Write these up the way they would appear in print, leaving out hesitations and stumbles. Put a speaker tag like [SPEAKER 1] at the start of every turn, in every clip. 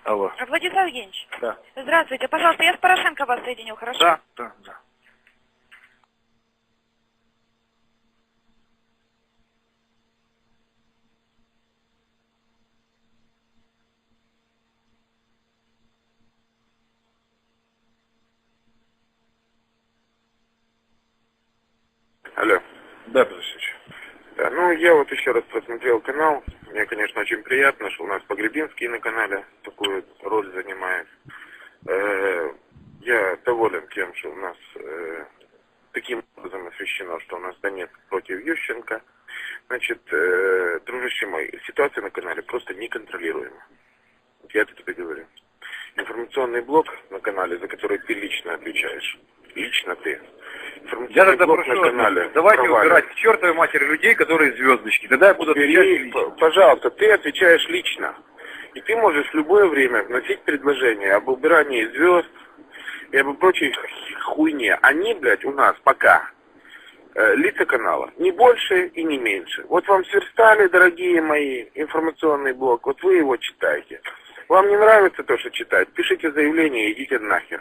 [SPEAKER 1] Алло.
[SPEAKER 2] Владислав Евгеньевич.
[SPEAKER 1] Да.
[SPEAKER 2] Здравствуйте. Пожалуйста, я с Порошенко вас соединю, хорошо?
[SPEAKER 1] Да, да, да.
[SPEAKER 3] Алло.
[SPEAKER 1] Да, Петрович.
[SPEAKER 3] Да, ну я вот еще раз просмотрел канал. Мне, конечно, очень приятно, что у нас Погребинский на канале такую роль занимает. Я доволен тем, что у нас таким образом освещено, что у нас Донецк против Ющенко. Значит, дружище мой, ситуация на канале просто неконтролируема. Я это тебе говорю. Информационный блок на канале, за который ты лично отвечаешь. Лично ты.
[SPEAKER 1] Я тогда прошу, давайте убирать к чертовой матери людей, которые звездочки. Тогда я буду отвечать лично.
[SPEAKER 3] Пожалуйста, ты отвечаешь лично. И ты можешь в любое время вносить предложение об убирании звезд и об прочей хуйне. Они, блядь, у нас пока лица канала. Не больше и не меньше. Вот вам сверстали, дорогие мои, информационный блок. Вот вы его читаете. Вам не нравится то, что читать? Пишите заявление и идите нахер.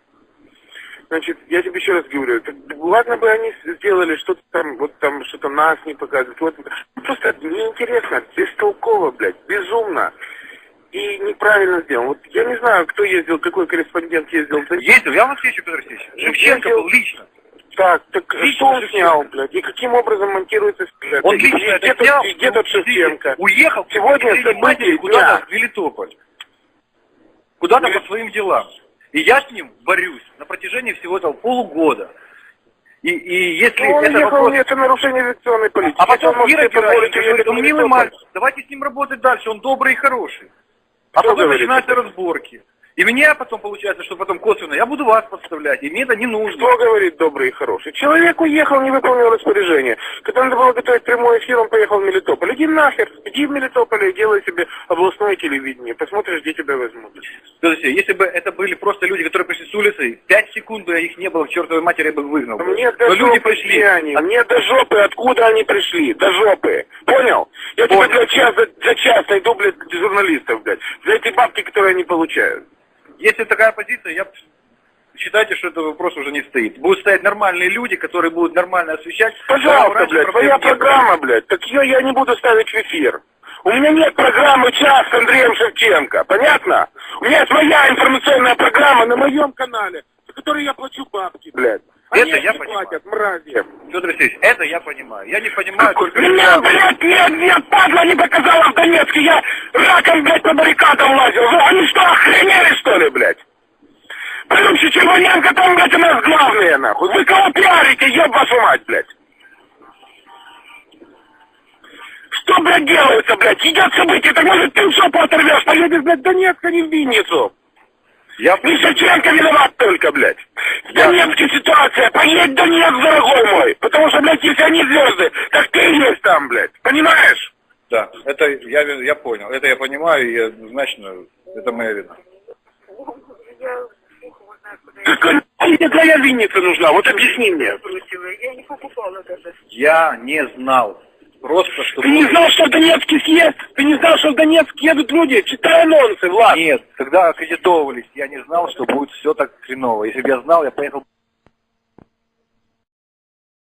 [SPEAKER 3] Значит, я тебе еще раз говорю, ладно бы они сделали что-то там, вот там что-то нас не показывают. Вот, просто неинтересно, бестолково, блядь, безумно. И неправильно сделано. Вот я не знаю, кто ездил, какой корреспондент ездил.
[SPEAKER 1] Ездил, я вам отвечу, Петр Алексеевич. Шевченко был лично.
[SPEAKER 3] Так
[SPEAKER 1] лично
[SPEAKER 3] что он
[SPEAKER 1] Шевченко
[SPEAKER 3] снял, блядь, и каким образом монтируется сюжет?
[SPEAKER 1] Он лично это снял,
[SPEAKER 3] где тот Шевченко?
[SPEAKER 1] Уехал
[SPEAKER 3] Сегодня события
[SPEAKER 1] куда-то в Мелитополь. Куда-то по своим делам. И я с ним борюсь на протяжении всего этого полугода. И если
[SPEAKER 3] он
[SPEAKER 1] это
[SPEAKER 3] ехал,
[SPEAKER 1] вопрос...
[SPEAKER 3] это нарушение авиационной политики.
[SPEAKER 1] А потом Кира
[SPEAKER 3] позволить
[SPEAKER 1] говорит, он милый мальчик, давайте с ним работать дальше, он добрый и хороший. А
[SPEAKER 3] Кто
[SPEAKER 1] потом
[SPEAKER 3] говорит
[SPEAKER 1] начинаются
[SPEAKER 3] это?
[SPEAKER 1] разборки. И меня потом получается, что потом косвенно, я буду вас подставлять, и мне это не нужно.
[SPEAKER 3] Кто говорит добрый и хороший? Человек уехал, не выполнил распоряжение. Когда надо было готовить прямой эфир, он поехал в Мелитополь. Иди нахер, иди в Мелитополь и делай себе областное телевидение. Посмотришь, где тебя возьмут.
[SPEAKER 1] Слушайте, если бы это были просто люди, которые пришли с улицы, 5 секунд бы их не было, к чертовой матери я бы их выгнал.
[SPEAKER 3] Мне до
[SPEAKER 1] Но люди
[SPEAKER 3] жопы
[SPEAKER 1] пришли.
[SPEAKER 3] где они? Мне до жопы, откуда они пришли? До жопы. Понял? Я тебе, блядь, час за час найду, блядь, журналистов, блядь. За эти бабки, которые они получают.
[SPEAKER 1] Если такая позиция, я считайте, что этот вопрос уже не стоит. Будут стоять нормальные люди, которые будут нормально освещать.
[SPEAKER 3] Пожалуйста, блядь, твоя программа, блядь, так ее я не буду ставить в эфир. У меня нет программы «Час» с Андреем Шевченко, понятно? У меня своя информационная программа на моем канале, за которую я плачу бабки, блядь. Они
[SPEAKER 1] Это я
[SPEAKER 3] не
[SPEAKER 1] понимаю.
[SPEAKER 3] платят, мрази.
[SPEAKER 1] Петр Алексеевич, это я понимаю. Я не понимаю только...
[SPEAKER 3] Меня, блядь, нет, падла не показала в Донецке, я раком, блядь, по баррикадам лазил. Они что, охренели, что ли, блядь? Потом Чечеваненко там, блядь, у нас главные, нахуй. Вы кого пиарите, еб вашу мать, блядь? Что, блядь, делается, блядь? Идет событие, так может ты в жопу оторвешь, поедешь, блядь, в Донецк, а не в Винницу. Не Шевченко виноват только, блядь. В Донецке ситуация, поедь в Донецк, дорогой мой. Потому что, блядь, если они звезды, так ты есть там, блядь. Понимаешь?
[SPEAKER 1] Да, это я понял. Это я понимаю, и однозначно, это моя вина.
[SPEAKER 3] Какая тебе твоя Винница нужна? Вот объясни мне.
[SPEAKER 2] Я не покупала даже.
[SPEAKER 1] Я не знал. Просто, что...
[SPEAKER 3] Ты не знал, что в Донецке съезд? Ты не знал, что в Донецк едут люди? Читай анонсы, Влад.
[SPEAKER 1] Нет, когда аккредитовывались, я не знал, что будет все так хреново. Если бы я знал, я поехал